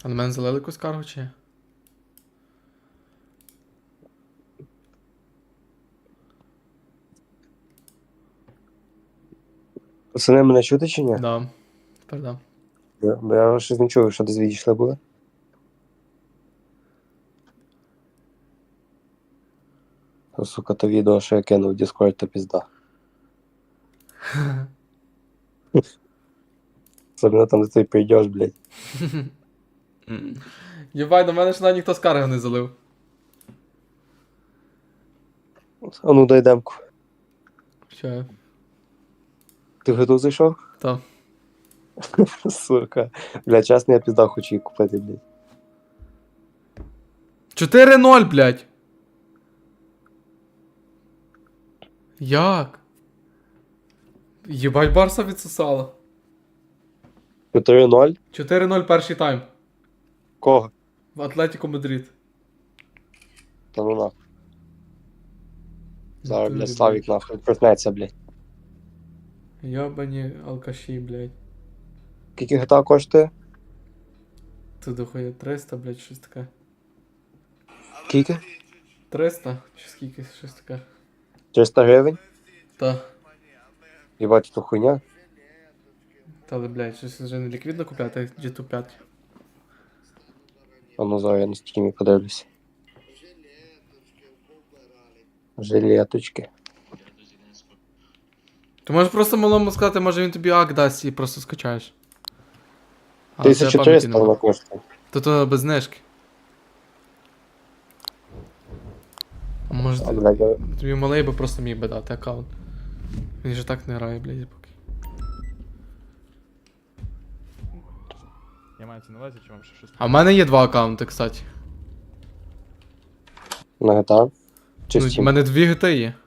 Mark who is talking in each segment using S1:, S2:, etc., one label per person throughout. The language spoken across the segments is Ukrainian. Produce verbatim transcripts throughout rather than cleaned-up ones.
S1: А на мене залили якусь каргу чи ні?
S2: Пацани, мене чути чи ні?
S1: Да. Тепер да.
S2: Я- Бо я щось не чую, що десь відійшли були. О, сука, то відео, що я кинув в Discord, то пізда. Особливо там, де ти прийдеш, блядь.
S1: Єбай, до мене ж навіть ніхто з карги не залив.
S2: А ну дай демку.
S1: Що?
S2: Ти в гиту зайшов?
S1: Та.
S2: Сука. Бля, чесно, я пізда хочу її купити, блядь.
S1: чотири ноль, блядь. Як? Єбать, Барса відсосала.
S2: чотири ноль?
S1: чотири ноль перший тайм.
S2: Кого?
S1: В Атлетіко Мадрид.
S2: Та ну нахуй. Зараз,
S1: Натурі,
S2: блядь, Славік нахуй проснеться, блядь.
S1: Йобані алкаші, блядь.
S2: Скільки гита коштує?
S1: Ти дохуя триста, блядь, щось таке.
S2: Скільки?
S1: триста? Чи скільки, щось таке.
S2: триста гривень?
S1: Та.
S2: Єбать, то хуйня.
S1: Та, але, блядь, щось вже не ліквідно купляти, джі ту п'ять.
S2: А ну зараз я на стімі подивлюся. Жилеточки.
S1: Ти можеш просто малому сказати, може він тобі ак дасть і просто скачаєш. Але це
S2: тисяча
S1: пам'яті
S2: триста
S1: нема.
S2: вона коштує.
S1: То то без знижки. А може
S2: А,
S1: ти-
S2: блядь, я-
S1: тобі малий би просто міг би дати аккаунт. Він же так не грає, блядь, поки.
S3: Я маю це на увазі, чи вам ще щось?
S1: А в мене є два аккаунти, кстати.
S2: на гита? Чи
S1: Ну, в
S2: Steam?
S1: мене дві гити є.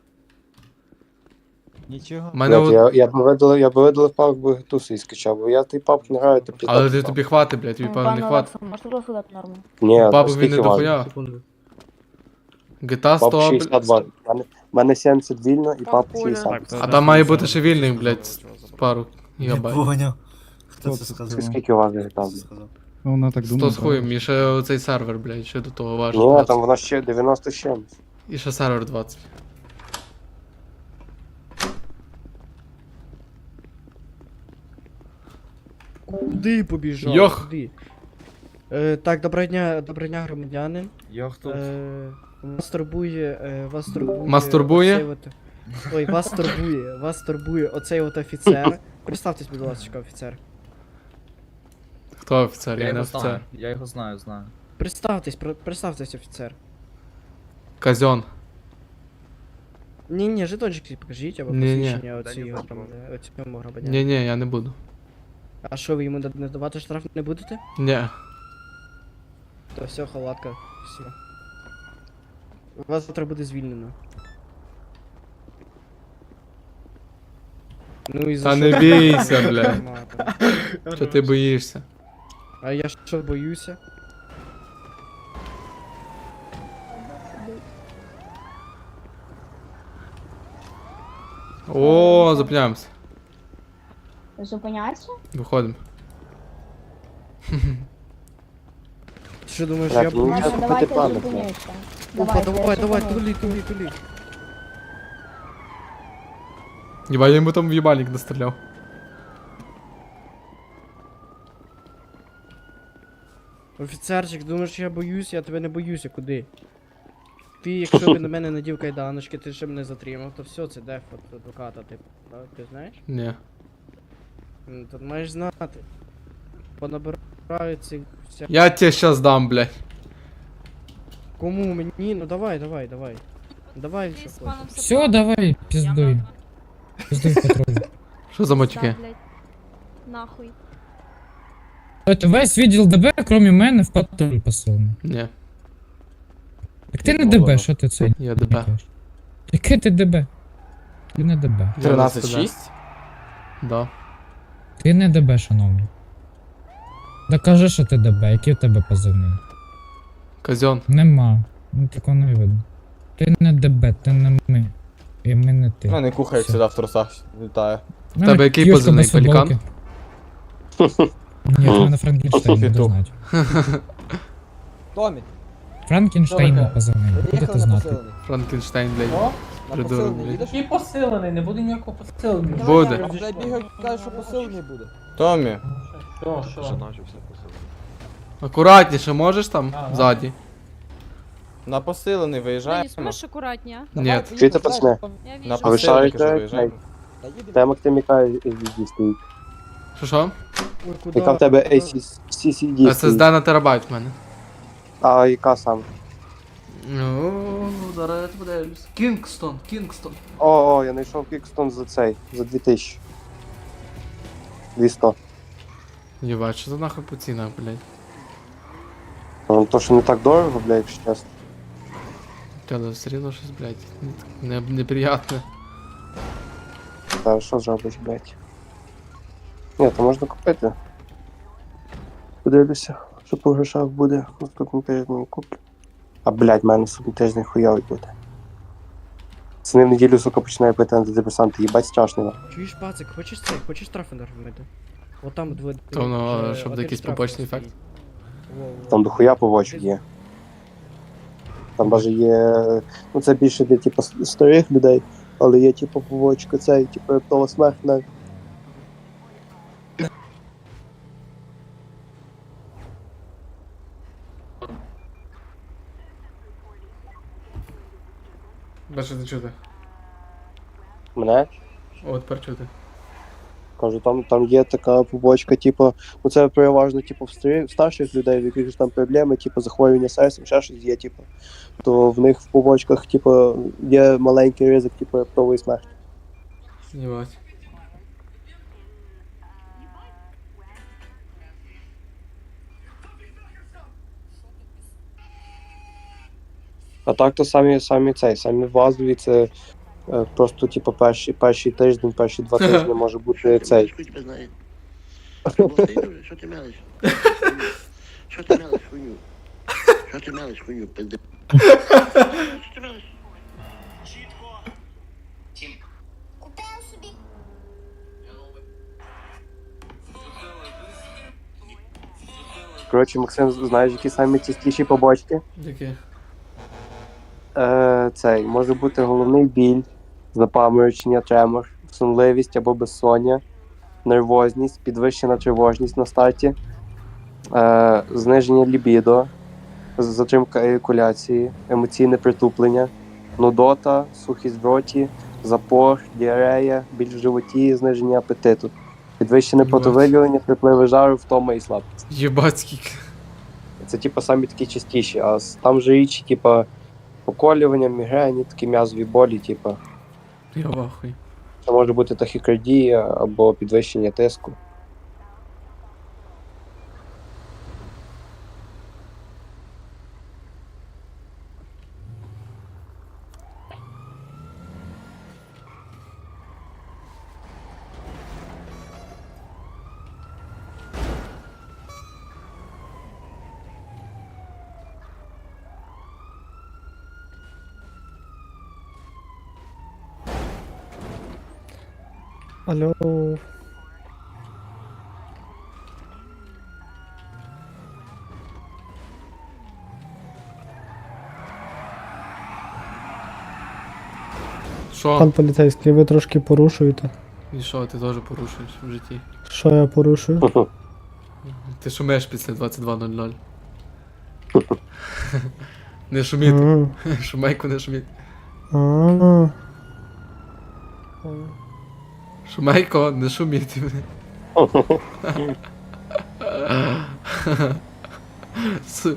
S3: Нічого.
S1: В мене
S2: Блядь,
S1: от...
S2: я, я б видалив, я б видалив папку, бо гиту свій скачав, бо я той папку не граю, то пізда.
S1: Але ти
S2: писав.
S1: тобі хватить, блядь, тобі певно не хватить.
S4: Можете просто дати норму?
S2: Ні,
S1: Папу
S2: то
S1: він не
S2: скільки важить?
S1: дохуя.
S5: Секунду.
S1: Гита
S2: Пап
S1: сто,
S2: шістдесят
S1: блядь.
S2: два. У мене сімдесят вільно і
S4: Там
S2: пап
S4: пуля.
S2: шістдесят.
S1: А там має бути ще вільний, блядь, з пару
S6: Не
S1: гігабайт.
S6: понял. Хто
S5: Хто
S6: це
S5: це
S6: сказав?
S2: Це скільки важить гита, блядь?
S6: Сказав.
S5: Ну, вона так
S1: сто
S5: думає.
S1: з хуєм, і ще оцей сервер, блядь, ще до того важить.
S2: Ні,
S1: двадцять.
S2: там воно ще дев'яносто з чимось.
S1: І ще сервер двадцять.
S5: Куди побіжав?
S1: Йох!
S5: Куди? Е, так, доброго дня, доброго дня, громадянин.
S6: Я хто?
S5: Е, вас турбує, е, вас турбує...
S1: Мастурбує?
S5: оцей от- Ой, вас турбує, вас турбує оцей от офіцер. Представтесь, будь ласка, офіцер.
S1: Хто офіцер?
S7: Я
S1: Я не
S7: його
S1: офіцер.
S7: знаю, я його знаю, знаю.
S5: Представтесь, про- представтесь, офіцер.
S1: Казьон.
S5: Ні, ні, жетончики покажіть, або
S1: Ні-ні.
S5: посвідчення оцій громадя- оцьому громадянину.
S1: Ні, ні, я не буду.
S5: А що, ви йому не давати штраф не будете?
S1: Ні.
S5: То все, халатка, все. Вас завтра буде звільнено. Ну і за
S1: Та
S5: що?
S1: не бійся, бля.
S5: Нормально.
S1: Що ти боїшся?
S5: А я що боюся?
S1: О, зупиняємося.
S4: Зупиняться?
S1: Виходимо.
S5: Ти що думаєш,
S2: Так,
S5: я
S2: ну,
S5: боюся?
S2: Щас
S4: Ладно,
S2: купити
S4: давайте
S2: плани,
S4: зупиняться.
S5: Опа, давай, давай,
S4: зупинюсь.
S5: тули, тули, тули.
S1: Єба, я йому там в їбальник настріляв.
S5: Офіцерчик, думаєш, я боюсь, я тебе не боюся, куди? Ти, якщо б на мене надів кайданочки, ти ще мене затримав, то все, це деф от адвоката, типу, так? Ти знаєш?
S1: Ні.
S5: Ну, тут маєш знати. Понабирають цих вся...
S1: Я тебе щас дам, блядь.
S5: Кому мені? Ну давай, давай, давай. Давай, що хочеш.
S8: Все, давай, пиздуй. Пиздуй патруль.
S1: Що за матюки?
S4: Нахуй.
S8: От весь відділ ДБ, крім мене, в патруль посилений.
S1: Ні.
S8: Так ти не ДБ, що ти це?
S1: Я ДБ.
S8: Яке ти ДБ? Ти не ДБ.
S1: тринадцять шість? Да.
S8: Ти не ДБ, шановний. Докажи, що ти ДБ, який в тебе позивний.
S1: Казьон.
S8: Нема. Ну такого не видно. Ти не ДБ, ти не ми. І ми не ти.
S7: Ну, не кухають
S8: Все.
S7: сюди в трусах, літає.
S8: У мене
S1: тебе який
S8: кішка
S1: позивний,
S8: без футболки.
S1: пелікан?
S8: Ні, в мене Франкенштейн, не
S3: Петух.
S8: знати.
S3: Томі,
S8: Франкенштейн
S6: Добре.
S8: позивний, будете
S3: приїхали на
S8: знати.
S3: посилений.
S1: Франкенштейн, блядь.
S6: О,
S3: На
S1: Придурок,
S3: посилений
S1: блядь.
S3: їдеш?
S6: який посилений, не буде ніякого посилення.
S1: Буде.
S3: А, блядь, бігають, кажуть, що посилений буде.
S7: Томі,
S6: Що, що?
S1: Акуратніше можеш там?
S6: Ага.
S1: Ззаді.
S7: на посилений
S4: Денис,
S7: виїжджаємо.
S4: можешь аккуратнее?
S1: Ні.
S3: Давай,
S2: Чуєте,
S3: поїдемо,
S2: пацани?
S3: знаєш,
S4: Я
S7: На
S4: вижу.
S2: А ви
S7: посилений
S2: шарите,
S7: кажу,
S2: як
S7: виїжджаємо.
S3: Та їдемо.
S2: Тема Тиміка ей сі ді.
S1: Що що?
S5: Ой, куди?
S2: Яка в тебе
S5: Куди?
S2: ей сі сі ді?
S1: ес ес ді на терабайт в мене.
S2: А яка саме?
S1: Ну, зараз я подивлюсь. Кінгстон, Кінгстон.
S2: О, о, я знайшов Кікстон за цей, за дві тисячі. двісті.
S1: Єбать, що за нахуй по цінах, блядь.
S2: Ну, то, що не так дорого, блядь, якщо чесно.
S1: Але все рівно щось, блядь, не, неприятне.
S2: Та що зробиш, блядь? Ні, то можна купити. Подивлюся, що по грошах буде наступний тиждень куплю. А, блядь, в мене наступний тиждень хуйовий буде. Це не в неділю, сука, починає пити антидепресанти, їбать страшно. нахуй.
S5: Чуєш, пацик, хочеш це? Хочеш штрафи наробити? От там двоє.
S1: То воно,
S5: вже
S1: щоб
S5: один
S1: якийсь
S5: штраф
S1: побочний
S5: стоїть.
S1: ефект.
S5: Во-во.
S2: Там дохуя побочок є. Там навіть є. Ну це більше для типу старих людей, але є типу побочка цей, типу раптова смерть навіть.
S1: Бачите, чути.
S2: Мене?
S1: О, тепер чути.
S2: Кажу, там, там є така побочка, типу, ну це переважно типу, в, старі, в старших людей, в яких ж там проблеми, типу, захворювання серцем, ще щось є, типу, то в них в побочках, типу, є маленький ризик, типу, раптової смерті.
S1: Єбать.
S2: А так то самі, самі цей, самі вазові, це е, просто, типу, перший, перший тиждень, перші два тижні може бути цей.
S9: Хуй тебе знає. Болтай дуже, що ти мелиш? Що ти мелиш, хуйню? Що ти мелиш, хуйню, пизди? Що ти мелиш?
S2: Коротше, Максим, знаєш, які самі частіші побочки?
S1: Яке?
S2: Е, цей, може бути головний біль, запаморочення, тремор, сонливість або безсоння, нервозність, підвищена тривожність на старті, е, зниження лібідо, затримка еякуляції, емоційне притуплення, нудота, сухість в роті, запор, діарея, біль в животі, зниження апетиту, підвищене
S1: Єбать.
S2: потовиділення, припливи жару, втома і слабкість.
S1: Єбать скільки.
S2: Це типу самі такі частіші, а с- там же річі, типу, поколювання, мігрені, такі м'язові болі, типу.
S1: Я вахуй.
S2: Це може бути тахікардія або підвищення тиску.
S5: Алло.
S1: Що?
S10: Пан поліцейський, ви трошки порушуєте.
S1: І що, ти теж порушуєш в житті?
S10: Що я порушую?
S1: Ти шумиш після двадцять два нуль нуль. Не шуміть.
S10: М,
S1: Шумейку не шуміть.
S10: а.
S1: Шумейко, не шуміть. С-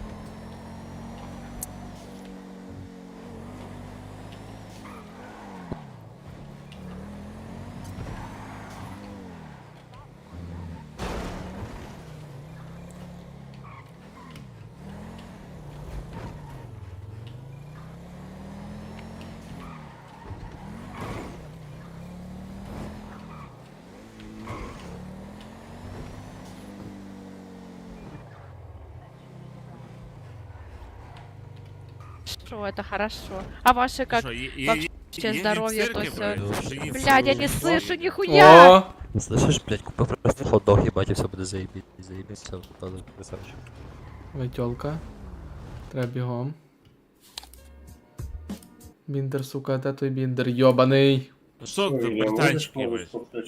S4: Что, это хорошо. А ваши как? Вообще здоровье, то все. Блядь, я не слышу нихуя!
S1: О,
S11: Слышиш, блядь, купив просто хот-дог, їбать, і все буде заєбіть. Заєбіть, все, буде красавчик.
S1: Витьолка. Треба бігом. Біндер, сука, де той біндер? Йобаний.
S12: Що ти, британчики ви?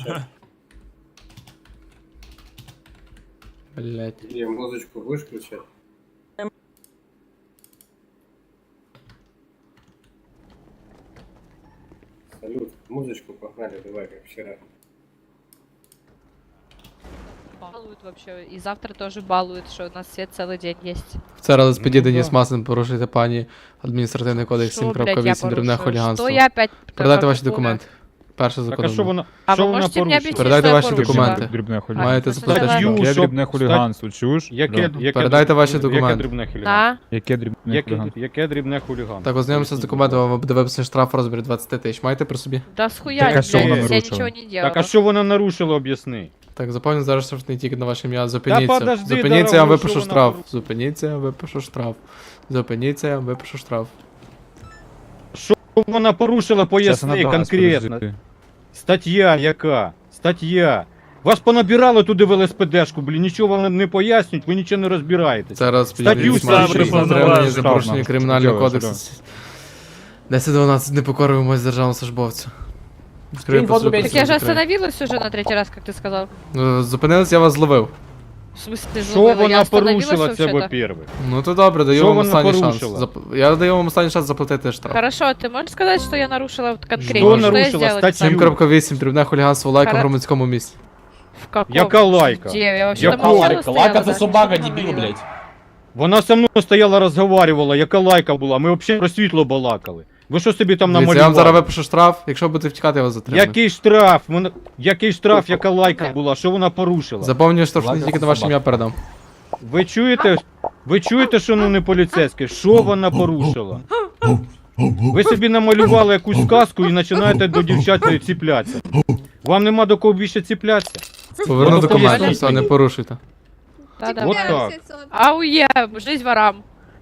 S1: Блять.
S2: Я музичку будеш включати? Салют, музычку погнали, давай, как вчера.
S4: Балуют вообще. И завтра тоже балуют, что у нас свет целый день есть.
S1: Вчора ЛСПД
S5: Ну,
S1: Деніс
S5: да.
S1: Масин порушуєте пані адміністративний кодекс
S4: Что, блядь, я
S1: сім дрібне
S4: порушила?
S1: хуліганство.
S4: Что я опять...
S1: Передайте ваші
S4: какое?
S1: документи. Перше
S5: Так а
S1: законом.
S5: що вона,
S4: А
S5: що
S4: ви
S5: вона
S4: можете мені
S5: порушила?
S4: об'яснити,
S1: Передайте
S4: що я
S1: ваші
S4: порушила?
S1: документи.
S12: Дрібне
S4: А,
S1: Маєте
S4: що
S1: заплатити
S4: давай?
S1: штраф.
S5: Яке
S12: Яке
S5: дрібне
S12: дрібне хуліганство, чуєш?
S5: Яке, яке,
S1: Передайте ваші
S5: Яке
S1: документи.
S5: дрібне хуліганство?
S4: Да?
S12: Яке дрібне
S5: Яке,
S12: хуліганство?
S5: яке дрібне хуліганство?
S1: Так, ознайомимося з документами, вам буде виписаний штраф у розмірі двадцять тисяч. Маєте при собі?
S4: Да схуя,
S12: Так, а
S4: блядь,
S12: що вона
S4: я
S12: нарушила?
S4: ничего не делала.
S5: Так, а що вона нарушила, об'ясни?
S1: Так, заповню зараз штрафний тільки на ваше ім'я. Зупиніться.
S5: подожди,
S1: Зупиніться, я вам
S5: дорогой,
S1: випишу
S5: що вона
S1: штраф.
S5: порушила?
S1: Зупиніться, я вам випишу штраф. Зупиніться, я вам випишу штраф.
S5: Що вона порушила,
S12: Щас
S5: поясни
S12: вона дасть,
S5: конкретно.
S12: подожди.
S5: Стаття яка? Стаття. Вас понабирали туди в ЛСПДшку, блін, нічого вам не пояснюють, ви нічого не розбираєтесь.
S1: Зараз
S5: Статтю
S1: підійдіть
S5: ставлю,
S1: матчі,
S12: пропонуваю
S1: затримані за
S12: штраф
S1: порушення
S12: нам.
S1: кримінального
S12: Чого,
S1: кодексу. десять дванадцять не покоримось державному службовцю. Відкрию
S3: фото,
S1: посилку,
S3: блядь.
S4: Так я же
S1: закрию.
S4: остановилась уже на третий раз, как ты сказал.
S1: Ну, зупинились, я вас зловив.
S4: В смысле,
S5: Що
S4: зловила? Я
S5: вона
S4: остановилась
S5: порушила, це
S4: вообще-то.
S5: во-первых?
S1: Ну то добре, даю
S5: Що
S1: вам
S5: вона
S1: останній шанс.
S5: порушила?
S1: Зап- Я даю вам останній шанс заплатити штраф.
S4: Хорошо, ты можешь сказать, что я нарушила вот конкретно?
S5: Что
S4: Что я
S5: нарушила?
S4: сделала?
S5: Статью.
S1: сім крапка вісім дрібне хуліганство лайка в
S4: Хара-
S1: громадському місці.
S4: В каком?
S5: Яка лайка?
S4: Где? Я вообще
S5: Яка
S4: там молчала,
S5: лайка?
S4: стояла,
S6: Лака це
S4: да.
S6: собака,
S4: Что ты
S6: дебіл,
S4: говорила?
S6: блядь.
S5: Вона со мною стояла, розговарювала, яка лайка була, ми взагалі про світло балакали. Ви що собі там
S1: Дивіться, я вам зараз
S5: намалювали?
S1: випишу штраф, якщо будете втікати, я вас затримаю.
S5: Який штраф? Вона... Який штраф, яка лайка була? Що вона порушила?
S1: Заповнюю штрафний
S6: Лайка
S1: тільки
S6: це
S1: на ваше
S6: собака.
S1: ім'я передам.
S5: Ви чуєте? Ви чуєте, що ну не поліцейське? Що вона порушила? Ви собі намалювали якусь сказку і починаєте до дівчат ціплятися. Вам нема до кого більше ціплятися?
S1: Поверну
S5: Ну,
S1: документи,
S5: поясніть
S1: все, не
S5: мені.
S1: порушуйте.
S4: Да-да.
S5: Вот так.
S4: Ауе, жизнь ворам.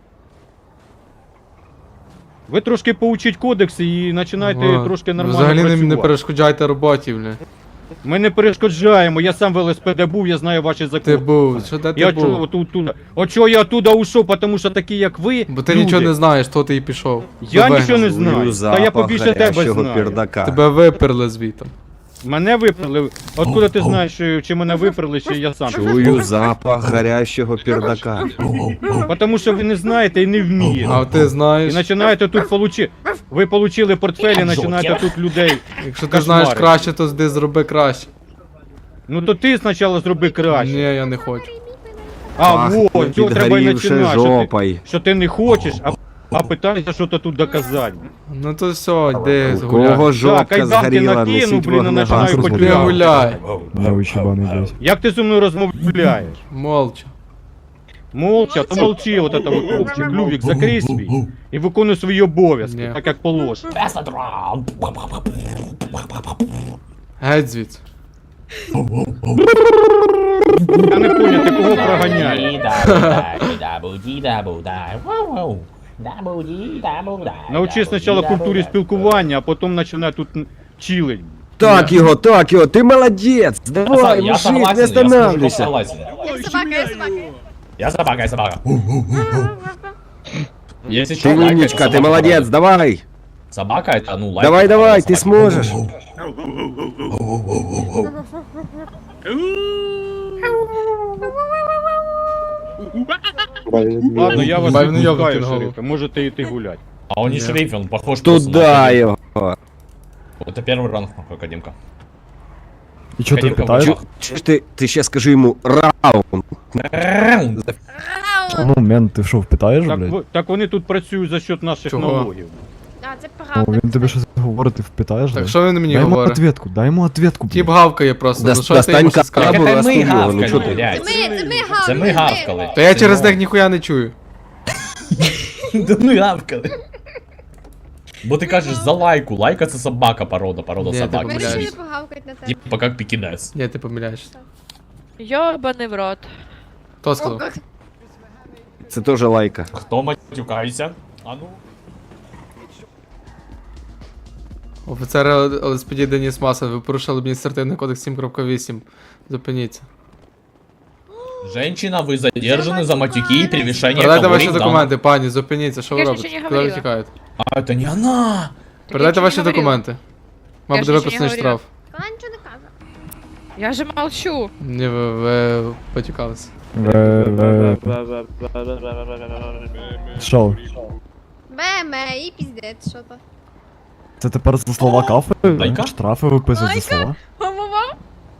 S5: Ви трошки поучіть кодекси і починаєте
S1: О,
S5: трошки нормально
S1: взагалі не,
S5: працювати.
S1: не перешкоджайте роботі, бля.
S5: Ми не перешкоджаємо, я сам в ЛСПД був, я знаю ваші
S1: Ти
S5: закони.
S1: був, що де ти
S5: Я
S1: був?
S5: чого тут, тут. От чого я оттуда ушов, тому що такі, як ви,
S1: Бо ти
S5: люди,
S1: нічого не знаєш, то ти і пішов.
S5: Я
S1: Тебе
S5: нічого не
S1: вигнали.
S5: знаю. Та я побільше тебе знаю.
S1: Тебе виперли звітом.
S5: Мене виперли. Откуда ти знаєш, що- чи мене виперли, чи я сам?
S11: Чую запах гарячого пердака.
S5: Тому що ви не знаєте і не вмієте.
S1: А ти
S5: І
S1: знаєш,
S5: починаєте тут получи. Ви получили портфель і починаєте тут людей.
S1: якщо ти знаєш
S5: кошмари.
S1: краще, то зди зроби краще.
S5: Ну то ти спочатку зроби
S1: Ні,
S5: краще.
S1: я не хочу.
S5: А, вот, цього треба і починати. Що ти, що ти не хочеш, а, а питаєшся, що то тут доказати.
S1: Ну то все, йди гуляй.
S5: Так, кайданки накину, блін, і починаю
S1: Ти
S5: поділяти.
S1: гуляй.
S5: Як ти зі мною розмовляєш?
S1: Молча.
S5: Молча, то молчи, от это вот хлопчик. Лювік, закрий свій і виконуй свої обов'язки,
S1: Ні.
S5: так як положено.
S1: Геть звідси.
S5: Я не поняв, ти кого проганяєш? Научи спочатку культурі спілкування, а потім починай тут чилить.
S11: Так його, так його, ти молодець! Давай, мужик, не останавливайся!
S6: Я собака, я собака. Если
S11: Ти умничка, ти молодець, давай!
S6: Собака это, ну, лайк.
S11: Давай, давай, ти зможеш!
S5: Ладно, я вас
S1: Бай, ну, йогурт
S5: відпускаю,
S1: на голову.
S5: шерифе, можете йти гуляти.
S6: А он не шериф, он похож просто на
S11: Туда
S6: шерифа.
S11: його!
S6: Это первый ранг, нахуй, Академка.
S11: І чого
S6: ти питаєш?
S11: Чи ж ти, ти ще скажи йому раунд.
S6: Раунд.
S10: Ну, мен, ти що, питаєш,
S5: Так, ви- так вони тут працюють за счет наших
S1: Чого?
S5: налогів.
S4: А, це правда.
S10: він тобі щось говорить, ти впитаєш,
S1: Так що він мені
S10: Дай йому
S1: говорить?
S10: ответку, дай йому ответку,
S1: Тіп гавкає просто, ну що ти
S11: Достань
S1: йому ще скажеш?
S11: капу,
S6: Это мы
S11: розсуди його, ну
S6: гавкали,
S11: чого ти?
S6: блядь.
S4: Ми, ми
S6: Це ми гавкали.
S1: Та я через них ніхуя не чую.
S6: Да ну гавкали. Бо ти кажеш за лайку, лайка це собака, порода, порода
S1: Ні, ти
S6: собаки.
S1: помиляєшся.
S4: погавкать на тебе.
S6: Типа как пекинес.
S1: Ні, ти помиляєшся.
S4: Йобаний в рот.
S1: Хто сказав?
S11: Це теж лайка.
S6: Хто матюкається? А ну.
S1: Офіцер Л С П Д Деніс Масен, ви порушили адміністративний кодекс сім крапка вісім. Зупиніться.
S6: Женщина, вы задержаны за матюки и превышение
S1: Передайте ваші
S6: калорий в
S1: документи, пані, зупиніться, що ви
S4: Я ж
S1: робите?
S4: нічого не
S1: Куди ви
S4: говорила.
S1: тікаєте?
S6: данном- А, это не она!
S1: Передайте
S4: нічого
S1: ваші
S4: не говорила.
S1: документи. Вам
S4: Я ж
S1: буде
S4: нічого не
S1: виписаний штраф.
S13: Вона нічого не каже.
S4: Я же молчу.
S1: Ні, ви, ви потікалися.
S10: Ви, ви... Що?
S13: Бе-ме, і піздець, що то.
S10: Це тепер за слова кафи?
S6: Лайка?
S10: Штрафи виписують за слова?
S4: Мама.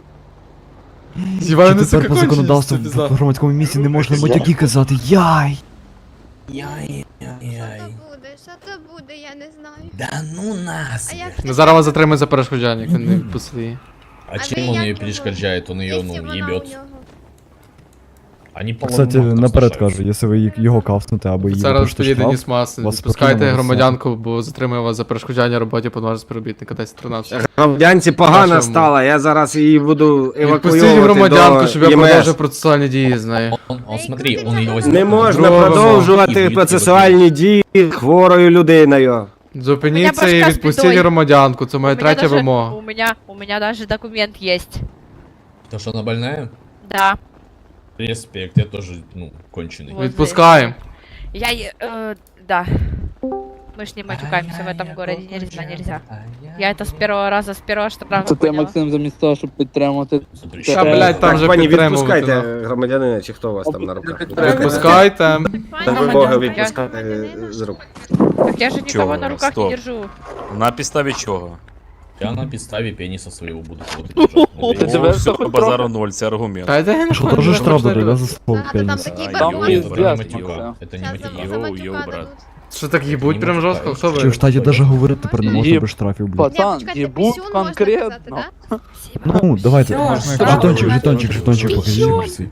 S1: Зіваю
S10: Чи
S1: не
S10: тепер по законодавству в громадському місці не можна матюки казати? Яй!
S6: Яй,
S13: Що то буде, що то буде, я не знаю.
S6: Да ну нас!
S13: А як
S1: Ну зараз вас затримують за перешкоджання, як ви не відпустили її.
S6: А
S13: А
S6: чем
S13: вы
S6: он
S13: як
S6: ее
S13: його?
S6: перешкоджает? Он ее,
S13: якщо
S6: ну,
S13: вона у
S6: ебет.
S13: нього?
S6: Они по
S10: Кстати, наперед кажу, якщо ви їх- його кафнете або її
S1: Офіцер Л С
S10: випишете
S1: П Д
S10: штраф,
S1: Деніс Масен,
S10: вас
S1: відпускайте
S10: спокійно
S1: громадянку, бо затримує вас за перешкоджання роботі повноважного співробітника десять тринадцять.
S11: Громадянці погано
S1: Вашому.
S11: стало, я зараз її буду
S1: Відпустіть
S11: евакуювати
S1: громадянку,
S11: до
S1: щоб я
S11: Є М
S1: продовжив
S11: С.
S1: процесуальні дії з нею.
S6: Он, он, смотри, он ее возьмет.
S11: Не можна
S1: Другому.
S11: продовжувати процесуальні дії хворою людиною.
S1: Зупиніться
S4: Мене
S1: і
S4: башка з
S1: відпустіть
S4: бідою.
S1: громадянку, це моя
S4: У меня
S1: третя
S4: даже-
S1: вимога.
S4: У меня, у меня даже документ есть.
S6: То, что она больная?
S4: Да.
S6: Респект, я тоже, ну, конченый.
S4: Вот.
S1: Відпускаємо.
S4: Я, е- э, да. Мы ж не матюкаемся в этом городе, нельзя, нельзя. Я это с первого раза, с первого штрафа поняла.
S3: замість того, щоб підтримати.
S6: Смотри,
S1: Та,
S6: что-
S1: блядь, там
S11: Так,
S1: же
S11: пані,
S1: підтримувати.
S11: відпускайте
S1: нахуй.
S11: громадянина, чи хто у вас там на руках?
S1: Відпускайте.
S11: На вимоги
S4: Я-
S11: відпускайте з рук.
S4: Так я же никого
S12: Чего?
S4: на руках
S12: Стоп.
S4: не держу.
S12: На підставі чого?
S6: Я на підставі пениса своего буду кого-то держать.
S12: О, все, базару ноль, це аргумент.
S1: Та йде не
S10: Що
S1: хочу,
S10: теж
S1: не
S10: штраф
S1: хочу, не
S10: дадуть, да,
S1: хочу.
S10: за слово
S13: Да, то там
S10: пеніс?
S13: такий
S6: А,
S13: бабусь.
S6: йо,
S3: пиздец,
S6: это не матюк,
S3: Максим.
S6: это не
S13: Щас за-
S6: матюк.
S13: за
S12: Йоу,
S13: матюка
S12: йоу, брат.
S13: дадуть.
S1: Що так їбуть прям жорстко? Хто
S10: Чи
S1: ви?
S10: в штаті навіть говорити тепер не можна
S3: Їб-
S10: без штрафів, блядь.
S3: Пацан,
S13: Ні, почекайте,
S3: їбуть
S13: пісюн можна
S3: конкретно.
S13: казати, да?
S10: Ну, давайте.
S4: Всё,
S10: Жетончик,
S4: всё.
S10: жетончик, жетончик, покажіть.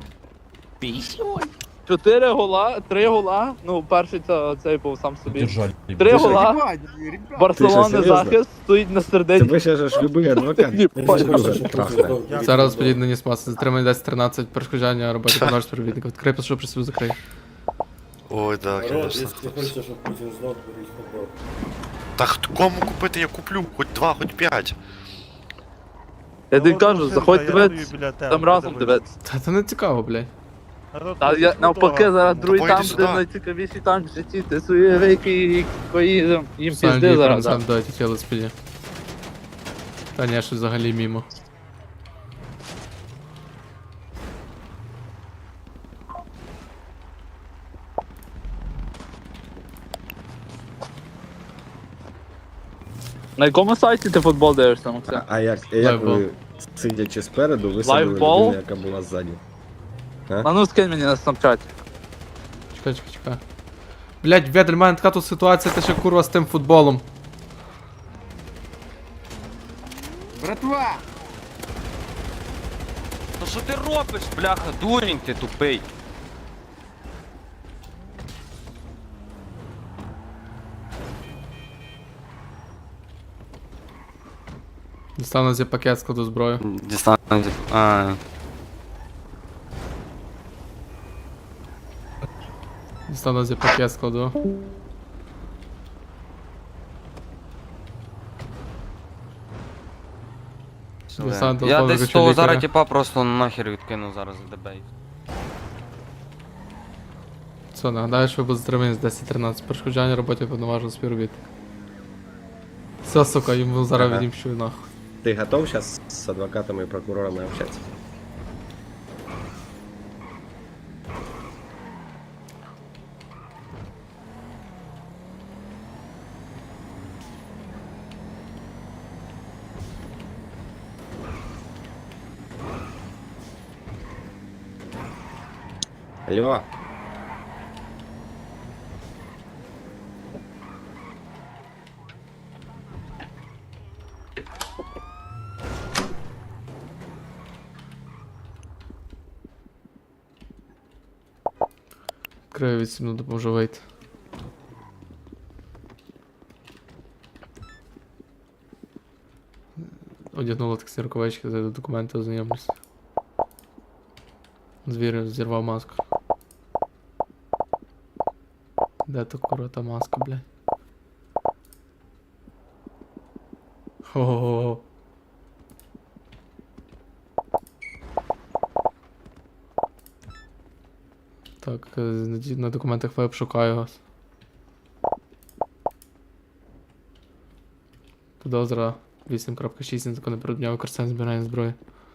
S3: Чотири гола, три гола. Ну, перший це цей був сам собі.
S6: Держали.
S3: Три гола.
S11: Ти
S3: Барселона
S11: що, серйозно?
S3: захист стоїть на середині.
S11: Тебе ще ж любий адвокат.
S1: Зараз подій на Нісмас, затримання десять тринадцять, перешкоджання роботі повноважного співробітника. Відкрий, прошу, при собі закрий.
S9: Ой, да, конечно. Так кому купити я куплю? Хоч два, хоч п'ять.
S3: Я тобі кажу, заходь дивитися, там разом дивитися.
S1: Та це не цікаво, блядь.
S3: Та я навпаки зараз другий
S9: Давай,
S3: там,
S9: іди
S3: де
S9: сюди.
S3: найцікавіший там в житті, ти свої вики, їм їм
S1: Сам
S3: пізди
S1: дій
S3: зараз.
S1: сам дайте тіло спіді. Та ні, щось взагалі мімо.
S3: На якому сайті ти футбол дивишся, Максим?
S11: А як, як
S1: Лайфбол.
S11: ви, сидячи спереду, висадили
S3: Лайфбол?
S11: людину, яка була ззаді?
S3: А ну скинь мені на снапчаті.
S1: Чекай, чекай, чекай. Блядь, Ведель, в мене така тут ситуація, ти ще курва з тим футболом.
S11: Братва!
S7: Ну що ти робиш, бляха, дурень ти тупий?
S1: Дістану зі пакет, складу зброю.
S7: Дістану. А,
S1: Дістану зі пакет, складу. Дістану
S7: я
S1: телефон,
S7: десь
S1: виключу
S7: того
S1: лікаря.
S7: зараз типа просто нахер відкину зараз з дебей.
S1: Все, нагадаю, що ви будете затримані з десять тринадцять. Перешкоджання роботі повноважного співробітника. Все, сука, йому зараз
S11: Ага.
S1: відімщу нахуй.
S11: Ти готов зараз з адвокатами і прокурорами общатися? Алло.
S1: Краю від сім'ю допоможу вийти. Одягнула таксі рукавички, зайду документи, ознайомлюсь. Звір зірвав маску. Де то кура та маска, блядь? Ого. Так, е, на ді- на документах веб шукаю вас. Підозра вісім крапка шість незаконне придбання використання збирання зброї.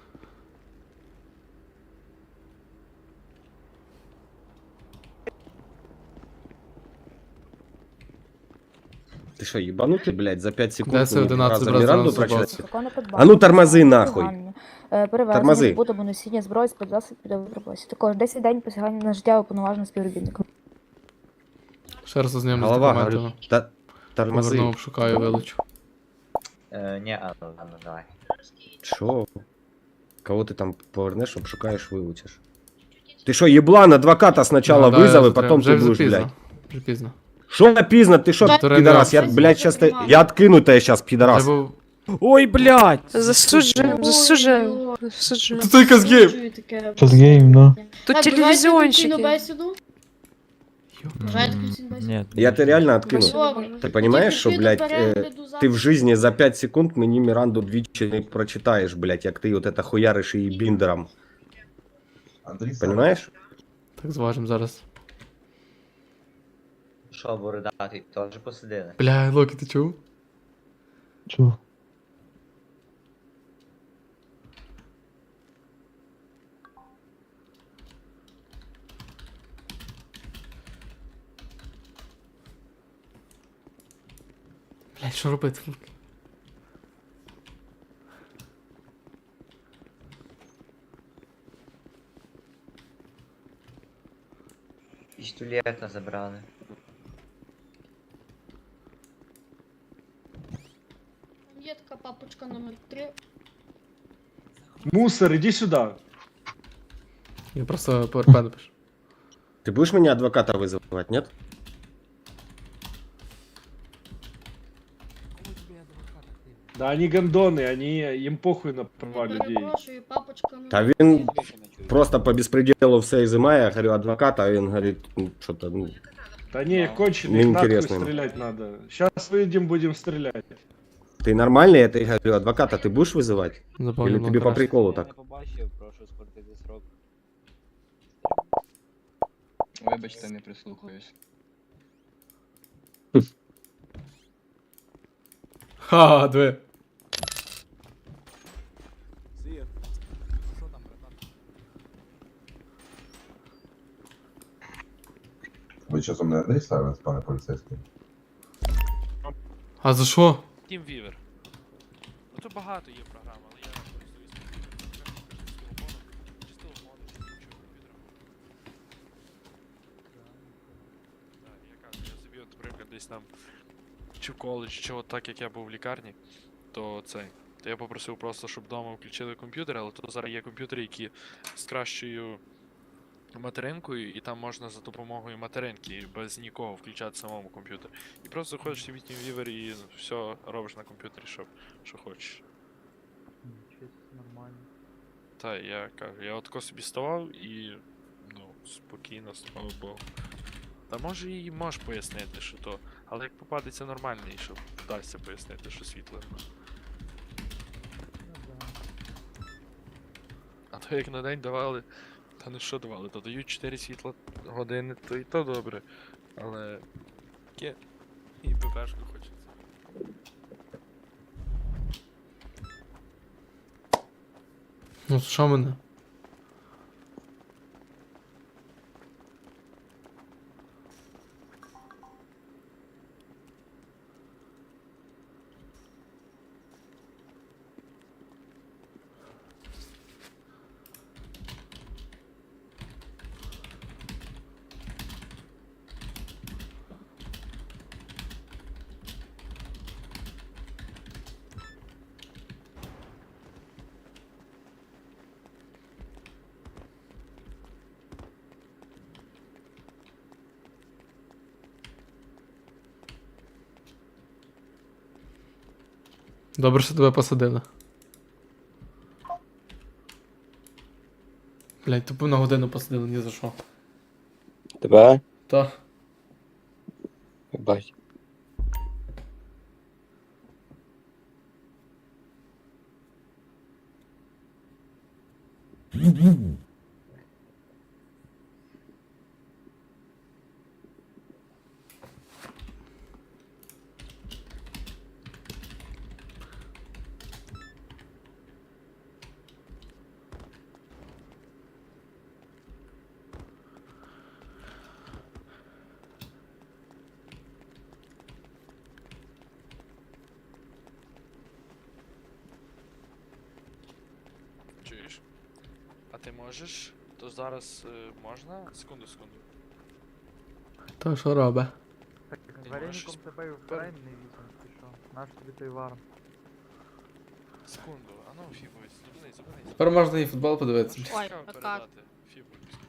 S11: Ты что, ебанутый, блядь, за пять секунд
S1: Десять,
S11: мне два
S1: одинадцять,
S11: раза
S1: брат,
S11: Миранду
S1: зразу
S11: прочитать?
S1: бац.
S11: А ну тормози нахуй.
S14: Перевезення,
S11: Тормози.
S14: збут або носіння зброї з засобів піде в роботі. Також десять день посягання на життя уповноваженого співробітника.
S1: Ще раз ознайомлюсь з
S11: Голова,
S1: документами.
S11: говорю, та- тормози.
S1: Повернув, шукаю, вилучу.
S3: Е, ні, а, ну, ладно, давай.
S11: Шо? Кого ты там повернешь, обшукаешь, выучишь? Ты что, еблан, адвоката сначала
S1: Ну, да, я
S11: вызови,
S1: затримав.
S11: потом
S1: Вже
S11: ты будешь,
S1: запізно.
S11: блядь.
S1: Вже пізно.
S11: Шо напизно, ты шо,
S1: Второй
S11: пидорас, я,
S1: раз.
S11: блядь, сейчас ты... Я откину тебя сейчас, пидорас.
S1: Вже був...
S11: Ой, блядь!
S14: Засуджуємо, засуджуємо, засуджуємо.
S1: Тут тільки з гейм!
S10: Казгейм, да.
S14: Тут телевізіонщики.
S10: Нет.
S11: Я тебя реально откину. Ты понимаешь, что, блядь, э, ты в жизни за пять секунд мені Миранду двічі не прочитаешь, блядь, як ты вот это хуяришь и биндером. Понимаешь?
S1: Так, зважим зараз.
S3: Що, бородатий, теж посидили?
S1: Бля, Локі, ти чув?
S10: Чё?
S1: Блядь, що робити?
S3: Пістолета забрали.
S13: Є така папочка номер три.
S5: Мусор, иди сюда.
S1: Я просто ПРП напишу.
S11: Ты будешь меня адвоката вызывать, нет?
S5: Да они гондоны, они, им похуй на права людей.
S13: Перепрошую, папочка номер
S11: Та він просто по беспределу все изымая, я говорю, адвоката, а він говорит, ну, что-то, ну...
S5: Да не, конченый, их нахуй
S11: Неинтересно ему.
S5: стрелять надо. Сейчас выйдем, будем стрелять.
S11: Ты нормальный, я тебе говорю, адвоката ты будешь вызывать?
S1: Запомнил,
S11: Или тебе по приколу так?
S3: Вибачте, не прислухаюсь.
S1: Ха, диви.
S9: Ви що, мене не ставите, пане поліцейський?
S1: А за що?
S5: TeamViewer. Ну тут багато є програм, але я користуюсь чи з телефону, чи з іншого комп'ютера. Так, я кажу, я собі, от, наприклад, десь там чи в коледж, чи от так як я був в лікарні, то цей. То я попросив просто, щоб вдома включили комп'ютер, але то зараз є комп'ютери, які з кращою материнкою, і там можна за допомогою материнки без нікого включати самому комп'ютер. І просто заходиш в TeamViewer і все робиш на комп'ютері, що, що хочеш.
S10: Нормально.
S5: Та, я кажу, я отко собі ставав і ну, спокійно, слава Богу. Та може і можеш пояснити, що то, але як попадеться нормальний, що вдасться пояснити, що світло. А то як на день давали, та не що давали, то дають чотири світла години, то і то добре. Але таке і ППшку хочеться.
S1: Ну, що мене? Добре, що тебе посадили. Блять, тупо на годину посадили, ні за що.
S2: Тебе?
S1: Та.
S2: Бать.
S3: Чуєш? А ти можеш? То зараз е, можна? Секунду, секунду.
S1: То що робить?
S3: Вареником тебе вбираєм не візьмем, ти що? Наш тобі той варм. Секунду, а ну фібуй, зупинись, зупинись.
S1: Тепер можна і футбол подивитися.
S4: Ой, а как?
S3: Фібуй.